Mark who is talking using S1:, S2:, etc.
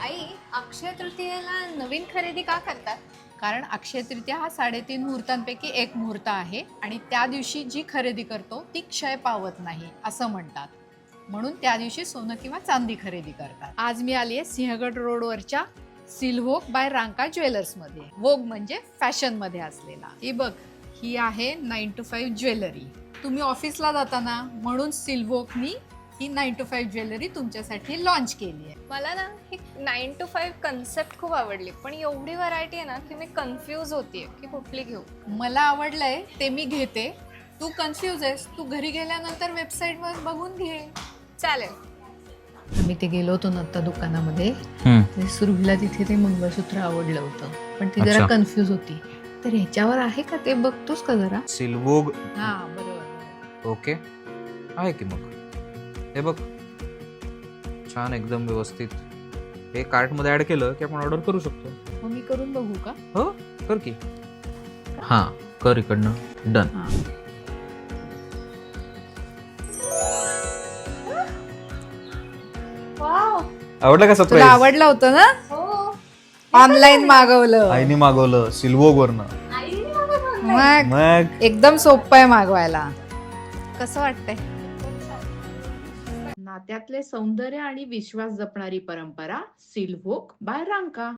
S1: आई, अक्षय तृतीयेला नवीन खरेदी का करतात?
S2: कारण अक्षय तृतीया हा 3.5 मुहूर्तांपैकी एक मुहूर्त आहे आणि त्या दिवशी जी खरेदी करतो ती क्षय पावत नाही असं म्हणतात. म्हणून त्या दिवशी सोनं किंवा चांदी खरेदी करतात. आज मी आली आहे सिंहगड रोडवरच्या सिल्व्होग बाय रांका ज्वेलर्समध्ये. वोग म्हणजे फॅशनमध्ये असलेला. ही बघ, ही आहे 9 to 5 ज्वेलरी. तुम्ही ऑफिसला जाताना म्हणून सिल्व्होगनी ही 9 to 5 ज्वेलरी तुमच्यासाठी लॉन्च केली आहे.
S1: मला ना ही 9 to 5 कन्सेप्ट खूप आवडली, पण एवढी व्हरायटी आहे ना की मी कन्फ्यूज होतीये की कुठली घेऊ.
S2: मला आवडलंय ते मी घेते. तू कन्फ्यूज आहेस, तू घरी गेल्यानंतर वेबसाईटवर बघून घे.
S1: चालेल.
S2: आम्ही ते गेलो होतो ना आता दुकानामध्ये, सुरुवातीला तिथे ते मंगळसूत्र आवडलं होतं, पण ती जरा
S3: अच्छा.
S2: कन्फ्यूज होती. तर ह्याच्यावर आहे का ते बघतोस का जरा?
S3: सिल्वोग.
S2: हा बरोबर.
S3: ओके, आहे की मग. हे बघ, छान एकदम व्यवस्थित. हे कार्ट मध्ये ऍड केलं की आपण ऑर्डर करू शकतो.
S2: मग मी करून बघू का?
S3: हो, कर की. हा, कर इकडनं. डन.
S2: हा.
S1: वाव.
S3: आवडलं का
S2: तुला
S3: सरप्राईज?
S2: आवडलं होतं ना?
S1: हो.
S2: ऑनलाईन मागवलं.
S3: आईने मागवलं सिल्वोग वरनं.
S1: आईने मला बोलली.
S2: मग
S3: मग
S2: एकदम सोपं आहे मागवायला. कसं वाटतंय? नात्यातले सौंदर्य आणि विश्वास जपणारी परंपरा सिल्व्होग बाय रांका.